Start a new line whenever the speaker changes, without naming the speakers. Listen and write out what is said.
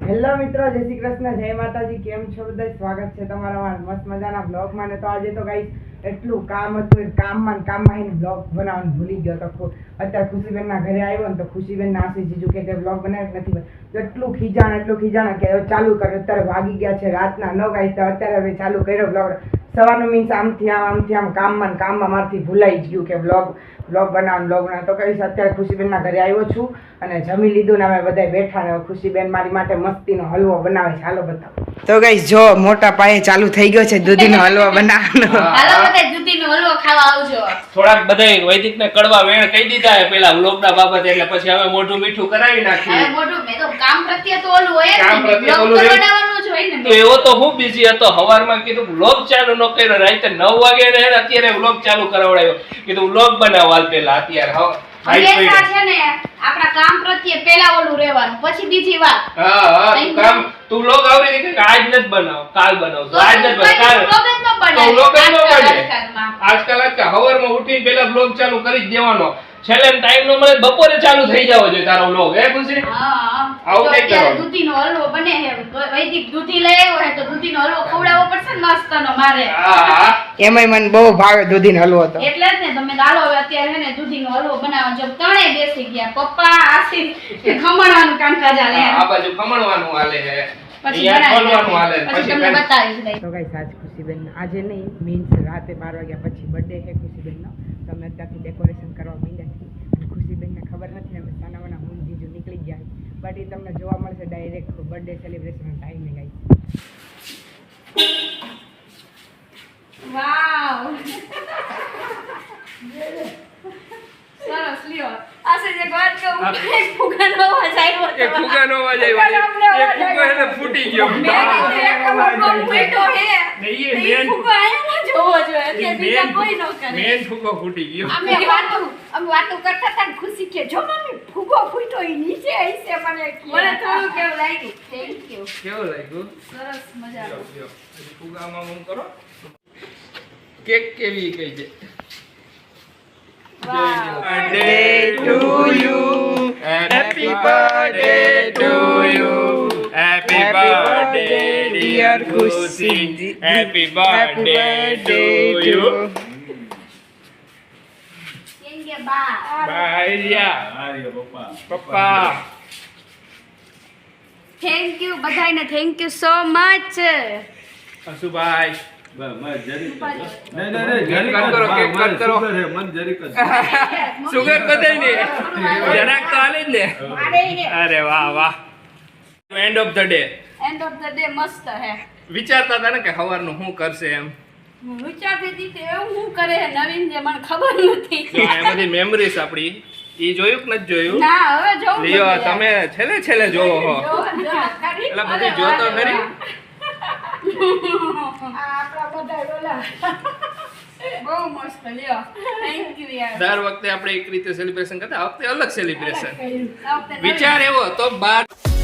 Hello મિત્રો, જય શ્રી કૃષ્ણ, જય માતાજી. કેમ છો બધા? સ્વાગત છે તમારા મસ્ત મજાના બ્લોગમાં. ને તો આજે તો ગાઈસ એટલું કામ હતું, કામમાં એને બ્લોગ બનાવવાનું ભૂલી ગયો તો અત્યારે ખુશીબેનના ઘરે આવ્યો ને તો ખુશીબેનના આશી જીજુ કે બ્લોગ બનાવ્યો નથી. તો એટલું ખીજાણ કે ચાલુ કર્યો. અત્યારે વાગી ગયા છે રાતના 9 ગાઈસ. તો અત્યારે હવે ચાલુ કર્યો બ્લોગ. સવારનું મીન્સ આમથી આમ કામમાં મારથી ભૂલાઈ જ ગયું કે બ્લોગ બનાવવાનું તો કહીશ. અત્યારે ખુશીબેનના ઘરે આવ્યો છું અને જમી લીધું ને અમે બધા બેઠા ને ખુશીબેન મારી માટે મસ્તીનો હલવો બનાવે છે. હાલો બતાવો. તો ગાઈસ જો મોટા પાયે ચાલુ થઈ ગયો છે દૂધીનો હલવો બનાવવાનો.
હાલો બધા દૂધીનો હલવો ખાવા આવજો.
થોડાક બધાય વૈદિકને કડવા વેણ કહી દીધા હે પેલા વ્લોગના બાબતે, એટલે પછી હવે મોઢું મીઠું કરાવી નાખીએ.
હવે મોઢું મે તો કામ પ્રત્યે તો ઓલું હોય
કામ
ને,
પ્રત્યે
બ્લોગ
ઓલું હોય.
બનાવવાનું જ હોય ને.
તો એવો તો હું બીઝી હતો. હવારમાં કીધું વ્લોગ ચાલુ ન કર્યો, રાતે 9 વાગે ને અત્યારે વ્લોગ ચાલુ કરાવડાયો. કીધું વ્લોગ બનાવ હાલ પેલા. અત્યારે
હંમેશા છે ને આપણા કામ પ્રત્યે પેલા ઓલું રહેવાનું, પછી બીજી વાત.
હા તું વ્લોગ આવરી કે આજ નથી બનાવ, કાલ બનાવ. આજ નથી બનાવ, કાલ
વ્લોગ જ ન બને.
તો વ્લોગ જ ન બને.
આજકાલમાં.
આજકાલ હવારમાં ઉઠીને પેલા વ્લોગ ચાલુ કરી જ દેવાનો. છેલ્લે ટાઈમ નો મળે બપોરે ચાલુ થઈ જવો જોઈએ તારો વ્લોગ. હે ખુશી?
હા.
આવું કઈ કરવાનું.
દૂધીનો હલવો બને હે. વૈદિક દૂધી લઈ આવ્યો હે તો દૂધીનો હલવો ખવડાવવો પડશે ને મસ્તનો મારે.
હા
એમાંય મને બહુ ભાવે દૂધીનો હલવો. તો
એટલે જ ને તમે દાલો હવે અત્યારે હે ને દૂધીનો હલવો બનાવવાનો. જો ત્રણેય બેસી ગયા, પપ્પા આશી ખમણવાનું કામકાજ હાલે.
આ બાજુ ખમણવાનું હાલે છે,
પછી
અહીંયા ખોલવાનું હાલે.
પછી તમને બતાવીશ દઈ.
તો ગાઈસ આજ ખુશીબેન આજે નહીં મીન્સ રાતે 12 વાગ્યા પછી બર્થડે છે ખુશીબેનનો. તો અમે અત્યારથી ડેકોરેશન કરવા માંડ્યા છીએ. અને ખુશીબેનને ખબર નથી ને અમે સાનાવાના હું જીજુ નીકળી ગયા. બટ એ તમને જોવા મળશે ડાયરેક્ટ બર્થડે સેલિબ્રેશન ટાઈમે ગાઈસ.
વાવ સરસ લ્યો. આશે જે વાત કહું એક ફુગાનો અવાજ આવ્યો હતો.
એક ફુગાનો અવાજ આવ્યો. એક ફુગો એને ફૂટી ગયો.
મેં કીધું એક ફુગો ફૂટ્યો હે.
નહીં,
એ ફુગો આયા જોવો જોઈએ. અત્યારે બીજા કોઈ ન કરે.
મેન ફુગો ફૂટી ગયો.
અમે વાતો કરતા હતા ને ખુશી કે જો મમ્મી ફુગો ફૂટ્યો ઈ નીચે આઈસે મને થોડું કેવું લાગ્યું. Thank you.
કેવું લાગ્યું?
સરસ મજા
લ્યો, લ્યો. હજી ફુગામાં હું કરો. કેક કેવી કઈ છે? Birthday to you. Happy birthday to you. Happy birthday dear Khushi. Happy birthday to you.
કેમ કે બા
Bye પપ્પા.
થેન્ક યુ બધાને. Thank you so much.
અશુભાઈ સુગર બધાય ને જરાક તો હાલે જ ને. અરે વાહ વાહ. End of the day.
End of the day મસ્ત હે.
વિચારતા હતા ને કે સવારનું શું કરશે એમ.
હું વિચારતી હતી કે એવું શું કરે હે નવીન જે મને ખબર નથી.
તો આ બધી મેમરીઝ આપણી ઈ જોયું કે નથી જોયું?
ના હવે જોઉં.
લ્યો તમે છેલ્લે જોવો હો.
ખરી.
એટલે બધી જોતો ખરી.
આપણા બધા બોલા બહુ મસ્ત લ્યો. થેન્ક યુ યાર.
દર વખતે આપણે એક રીતે સેલિબ્રેશન કરતા, આ વખતે અલગ સેલિબ્રેશન.
આ વખતે
વિચાર એવો તો 12